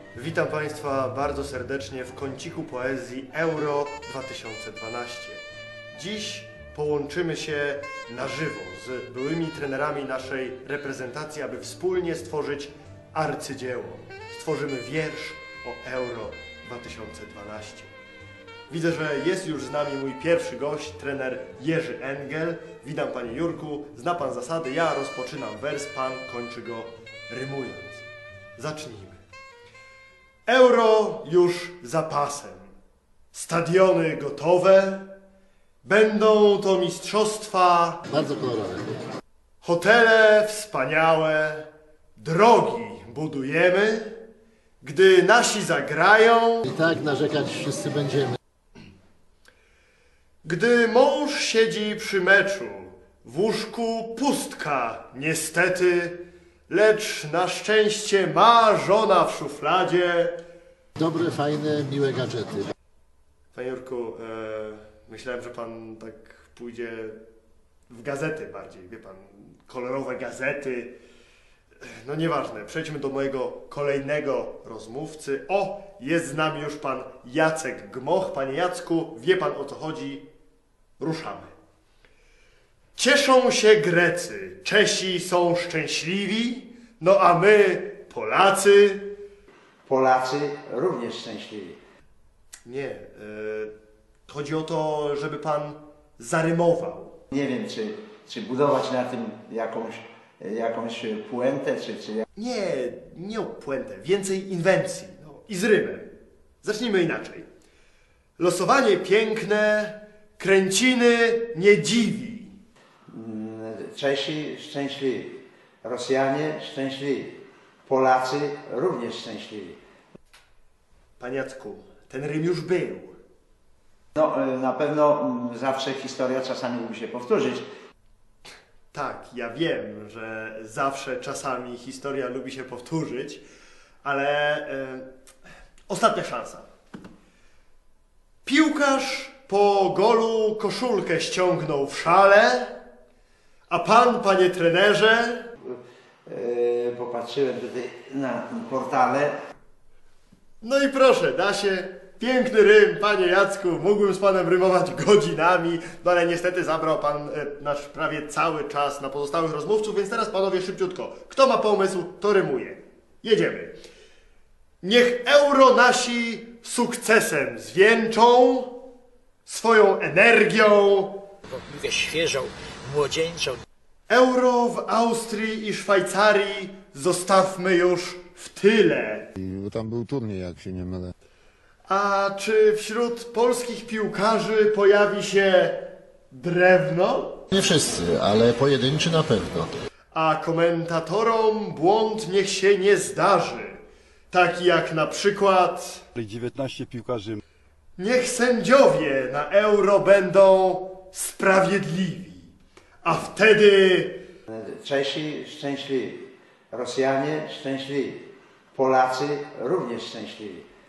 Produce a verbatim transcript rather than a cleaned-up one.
Witam Państwa bardzo serdecznie w kąciku poezji Euro dwa tysiące dwanaście. Dziś połączymy się na żywo z byłymi trenerami naszej reprezentacji, aby wspólnie stworzyć arcydzieło. Stworzymy wiersz o Euro dwa tysiące dwanaście. Widzę, że jest już z nami mój pierwszy gość, trener Jerzy Engel. Witam Panie Jurku, zna Pan zasady, ja rozpoczynam wers, Pan kończy go rymując. Zacznijmy. Euro już za pasem, stadiony gotowe, będą to mistrzostwa, bardzo kolorowe, hotele wspaniałe, drogi budujemy, gdy nasi zagrają, i tak narzekać wszyscy będziemy. Gdy mąż siedzi przy meczu, w łóżku pustka niestety, lecz na szczęście ma żona w szufladzie. Dobre, fajne, miłe gadżety. Panie Jurku, e, myślałem, że Pan tak pójdzie w gazety bardziej, wie Pan, kolorowe gazety. No nieważne, przejdźmy do mojego kolejnego rozmówcy. O, jest z nami już Pan Jacek Gmoch. Panie Jacku, wie Pan, o co chodzi? Ruszamy. Cieszą się Grecy, Czesi są szczęśliwi, no a my, Polacy... Polacy również szczęśliwi. Nie, e, chodzi o to, żeby Pan zarymował. Nie wiem, czy, czy budować na tym jakąś, jakąś puentę, czy... czy... Nie, nie o puentę, więcej inwencji, no, i z rymem. Zacznijmy inaczej. Losowanie piękne, kręciny nie dziwi. Czesi szczęśliwi, Rosjanie szczęśliwi, Polacy również szczęśliwi. Panie Jacku, ten rym już był. No, na pewno zawsze historia czasami musi się powtórzyć. Tak, ja wiem, że zawsze czasami historia lubi się powtórzyć, ale e, ostatnia szansa. Piłkarz po golu koszulkę ściągnął w szale, a pan, panie trenerze... Yy, popatrzyłem tutaj na portale. No i proszę, da się. Piękny rym, panie Jacku. Mógłbym z panem rymować godzinami, no ale niestety zabrał pan e, nasz prawie cały czas na pozostałych rozmówców, więc teraz panowie szybciutko. Kto ma pomysł, to rymuje. Jedziemy. Niech euro nasi sukcesem zwieńczą, swoją energią. Mówię świeżą, młodzieńczą. Euro w Austrii i Szwajcarii zostawmy już w tyle. I tam był turniej, jak się nie mylę. A czy wśród polskich piłkarzy pojawi się drewno? Nie wszyscy, ale pojedynczy na pewno. A komentatorom błąd niech się nie zdarzy. Taki jak na przykład... dziewiętnaście piłkarzy. Niech sędziowie na euro będą sprawiedliwi. A wtedy... Czesi szczęśliwi, Rosjanie szczęśliwi, Polacy również szczęśliwi.